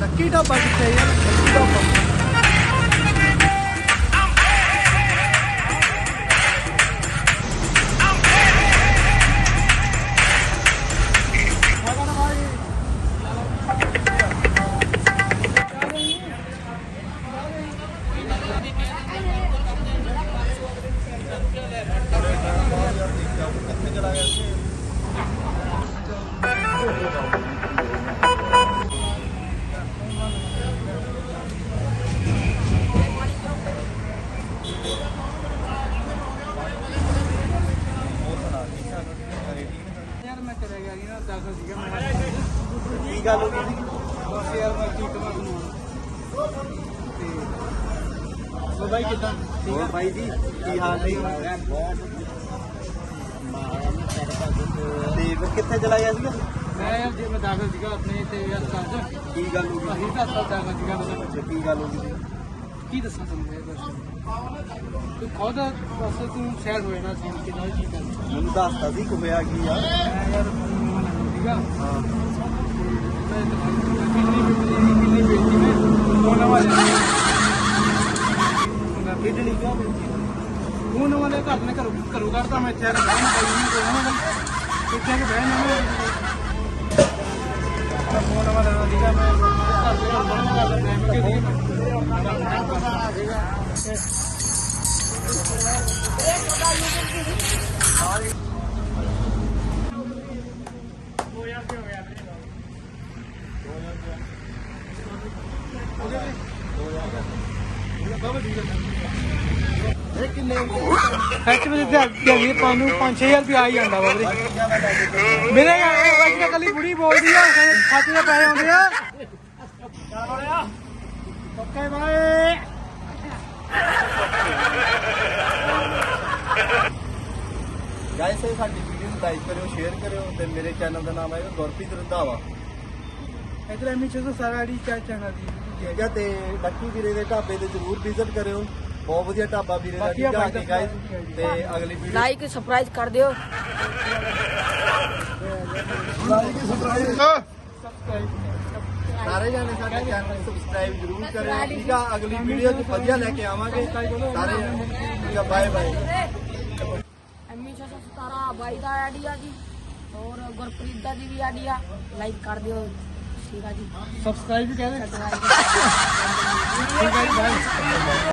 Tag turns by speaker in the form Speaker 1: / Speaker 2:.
Speaker 1: Lucky dhaba ਕਿੱਥੇ ਯਾਰ? Lucky dhaba ਕੀ ਗੱਲ ਹੋ ਗਈ? ਬਸ ਯਾਰ ਮੈਂ ਕੀ ਕਰਾਂ ਤੁਹਾਨੂੰ। ਤੇ ਬਾਈ ਕਿੱਦਾਂ? ਠੀਕ ਆ ਬਾਈ ਜੀ, ਕੀ ਹਾਲ ਨੇ? ਤੇ ਫਿਰ ਕਿੱਥੇ ਚਲਾ ਗਿਆ ਸੀਗਾ?
Speaker 2: ਮੈਂ ਯਾਰ ਜੇ ਮੈਂ ਦਾਖਲ ਸੀਗਾ ਆਪਣੇ ਤੇ ਯਾਰ ਸਾਜ
Speaker 1: ਕੀ ਗੱਲ ਹੋ ਗਈ?
Speaker 2: ਅਸੀਂ ਤਾਂ ਦਾਖਲ ਸੀਗਾ ਮਤਲਬ
Speaker 1: ਕੀ ਗੱਲ ਹੋ ਗਈ?
Speaker 2: ਕੀ ਦੱਸਾਂ ਤੁਹਾਨੂੰ ਇਹ ਬਸ ਤੂੰ ਖੁਦ ਬਸ ਤੂੰ ਸ਼ਾਇਦ ਹੋਏ ਨਾ ਸੀ ਕਿ ਨਹੀਂ ਕੀ ਕਰਨਾ
Speaker 1: ਮੈਨੂੰ ਦੱਸਤਾ ਸੀ ਕਿ ਹੋਇਆ ਕੀ ਆ।
Speaker 2: ਮੈਂ ਯਾਰ ਸੀਗਾ
Speaker 1: ਹਾਂ
Speaker 2: ਕਿੰਨੀ ਬੇਟੀ ਨੇ ਉਹ ਨਵਾਂ ਲਿਆ
Speaker 1: ਕਿਡਨੀ ਕਿਉਂ?
Speaker 2: ਉਹ ਨਵਾਂ ਦੇ ਘਰ ਨੇ ਘਰੋਂ ਕੱਢਤਾ ਮੈਂ ਇੱਥੇ ਆ ਕੇ ਬਹਿ ਨਹੀਂ ਪਾਈ ਇੱਥੇ ਆ ਕੇ ਬਹਿ ਨਾ ਫੋਨ ਨਵਾਂ ਲੈਣਾ ਸੀਗਾ ਮੈਂ ਘਰ ਦੇ ਘਰ ਬੰਦ ਕਰ ਦਿੰਦਾ ਮੈਂ ਕਿ ਸੱਚ ਵਿੱਚ ਦਿਹਾੜੀ ਪਾਉਣ ਨੂੰ 5-6 ਹਜ਼ਾਰ ਰੁਪਇਆ ਆ ਹੀ ਜਾਂਦਾ ਵਾ ਵੀਰੇ ਮੇਰੇ ਅੱਜ ਤਾਂ ਕੱਲੀ ਬੁੜੀ ਬੋਲਦੀ ਆ ਖਾਤੇ ਦੇ ਪੈਸੇ ਆਉਂਦੇ ਆ ਓਕੇ ਬਾਏ
Speaker 1: ਗਾਇਸ ਸਾਡੀ ਵੀਡੀਓ ਨੂੰ ਲਾਈਕ ਕਰਿਓ, ਸ਼ੇਅਰ ਕਰਿਓ ਤੇ ਮੇਰੇ ਚੈਨਲ ਦਾ ਨਾਮ ਹੈ ਗੁਰਪ੍ਰੀਤ ਰੰਧਾਵਾ।
Speaker 2: ਇਧਰ ਐਮੀ 617 ਆਈਡੀ ਚੈਨਲ ਦੀ
Speaker 1: ਠੀਕ ਹੈ ਤੇ ਲੱਕੀ ਵੀਰੇ ਦੇ ਢਾਬੇ ਤੇ ਜ਼ਰੂਰ ਵਿਜ਼ਿਟ ਕਰਿਓ। ਬਹੁਤ ਵਧੀਆ ਢਾਬਾ ਵੀਰੇ ਦਾ। ਠੀਕ ਹੈ ਗਾਇਸ ਤੇ ਅਗਲੀ ਵੀਡੀਓ
Speaker 3: ਲਾਈਕ ਸਰਪ੍ਰਾਈਜ਼ ਕਰ ਦਿਓ।
Speaker 1: ਲਾਈਕ ਸਬਸਕ੍ਰਾਈਬ ਸਾਰੇ ਜਾਣੇ ਸਾਡੇ ਚੈਨਲ ਨੂੰ ਸਬਸਕ੍ਰਾਈਬ ਜ਼ਰੂਰ ਕਰਿਓ। ਠੀਕ ਆ ਅਗਲੀ ਵੀਡੀਓ 'ਚ ਵਧੀਆ ਲੈ ਕੇ ਆਵਾਂਗੇ ਸਾਰੇ ਜਾਣੇ। ਠੀਕ ਆ ਬਾਏ ਬਾਏ।
Speaker 3: ਐਮੀ 617 ਬਾਈ ਦਾ ਆਈਡੀ ਆ ਜੀ ਔਰ ਗੁਰਪ੍ਰੀਤ ਦਾ ਦੀ ਵੀ ਆਈਡੀ ਆ। ਲਾਈਕ ਕਰ ਦਿਓ। ਠੀਕ ਆ ਜੀ
Speaker 2: ਸਬਸਕ੍ਰਾਈਬ ਵੀ ਕਹਿੰਦੇ
Speaker 3: ਸਬਸਕ੍ਰਾਈਬ
Speaker 2: ਠੀਕ ਹੈ ਜੀ ਬਾਏ।